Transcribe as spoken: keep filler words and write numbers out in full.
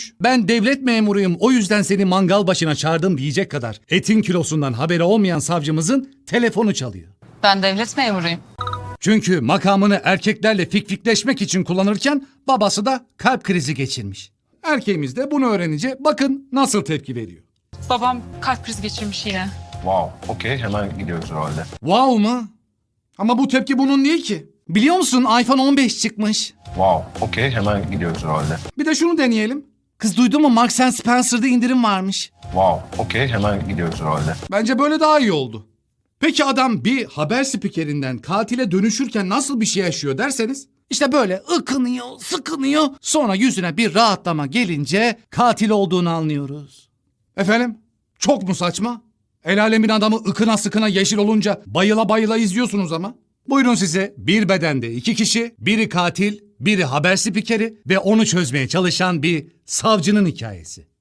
Ben devlet memuruyum, o yüzden seni mangal başına çağırdım diyecek kadar etin kilosundan haberi olmayan savcımızın telefonu çalıyor. Ben devlet memuruyum. Çünkü makamını erkeklerle fikfikleşmek için kullanırken babası da kalp krizi geçirmiş. Erkeğimiz de bunu öğrenince bakın nasıl tepki veriyor. Babam kalp krizi geçirmiş yine. Wow, okey, hemen gidiyoruz o halde. Wow mu? Ama bu tepki bunun değil ki. Biliyor musun iPhone on beş çıkmış. Wow, okey, hemen gidiyoruz o halde. Bir de şunu deneyelim. Kız duydun mu Marks and Spencer'da indirim varmış. Wow, okey, hemen gidiyoruz o halde. Bence böyle daha iyi oldu. Peki adam bir haber spikerinden katile dönüşürken nasıl bir şey yaşıyor derseniz? İşte böyle ıkınıyor, sıkınıyor. Sonra yüzüne bir rahatlama gelince katil olduğunu anlıyoruz. Efendim? Çok mu saçma? El alemin adamı ıkına sıkına yeşil olunca bayıla bayıla izliyorsunuz ama. Buyurun size bir bedende iki kişi, biri katil, biri haber spikeri ve onu çözmeye çalışan bir savcının hikayesi.